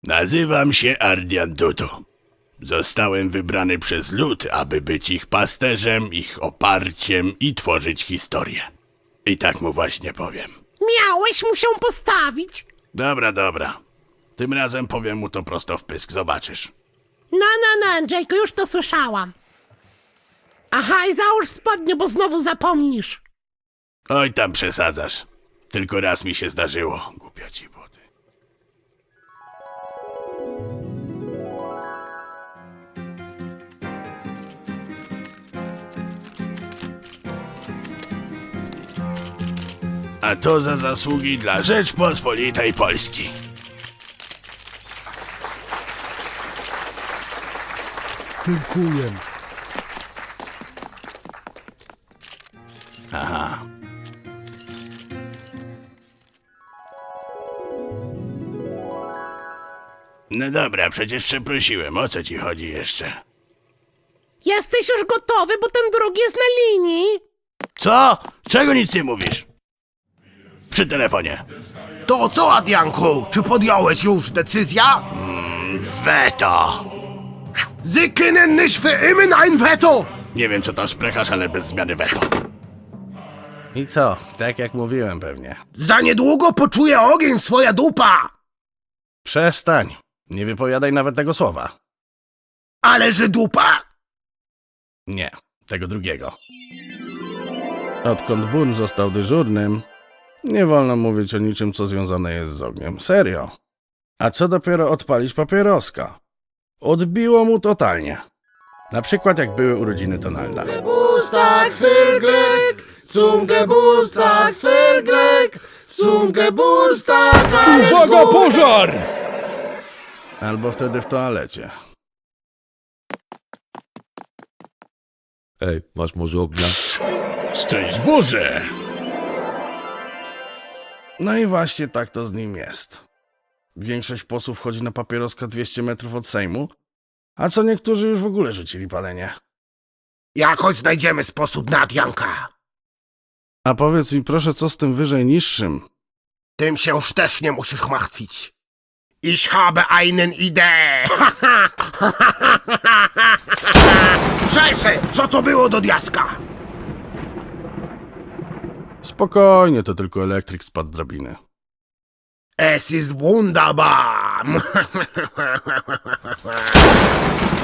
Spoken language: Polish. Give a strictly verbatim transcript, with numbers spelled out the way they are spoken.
Nazywam się Ardian Dudu. Zostałem wybrany przez lud, aby być ich pasterzem, ich oparciem i tworzyć historię. I tak mu właśnie powiem. Miałeś mu się postawić. Dobra, dobra. Tym razem powiem mu to prosto w pysk, zobaczysz. No, no, no, Andrzejku, już to słyszałam. Aha, i załóż spodnie, bo znowu zapomnisz. Oj, tam przesadzasz. Tylko raz mi się zdarzyło, głupia ci buty. A to za zasługi dla Rzeczpospolitej Polski. Dziękuję. Aha. No dobra, przecież przeprosiłem. O co ci chodzi jeszcze? Jesteś już gotowy, bo ten drugi jest na linii. Co? Czego nic nie mówisz? Przy telefonie. To co, Adrianku? Czy podjąłeś już decyzję? Weto! Sie können nicht für immer ein Veto! Nie wiem co tam szprechasz, ale bez zmiany weto. I co? Tak jak mówiłem pewnie. Za niedługo poczuje ogień swoja dupa! Przestań. Nie wypowiadaj nawet tego słowa. Ale że dupa? Nie, tego drugiego. Odkąd Boone został dyżurnym, nie wolno mówić o niczym, co związane jest z ogniem. Serio. A co dopiero odpalić papieroska? Odbiło mu totalnie. Na przykład jak były urodziny Donalda. Geburtstag für Glück, zum Geburtstag für Glück, zum Geburtstag Uwaga, pożar! Albo wtedy w toalecie. Ej, masz może ognia? Szczęść Boże! No i właśnie tak to z nim jest. Większość posłów chodzi na papieroska dwieście metrów od Sejmu, a co niektórzy już w ogóle rzucili palenie. Jakoś znajdziemy sposób na Adrianka. A powiedz mi proszę, co z tym wyżej niższym? Tym się już też nie musisz martwić. Ich habe einen Idee. Scheiße, co to było do diaska? Spokojnie, to tylko elektryk spadł z drabiny. Es ist wunderbar.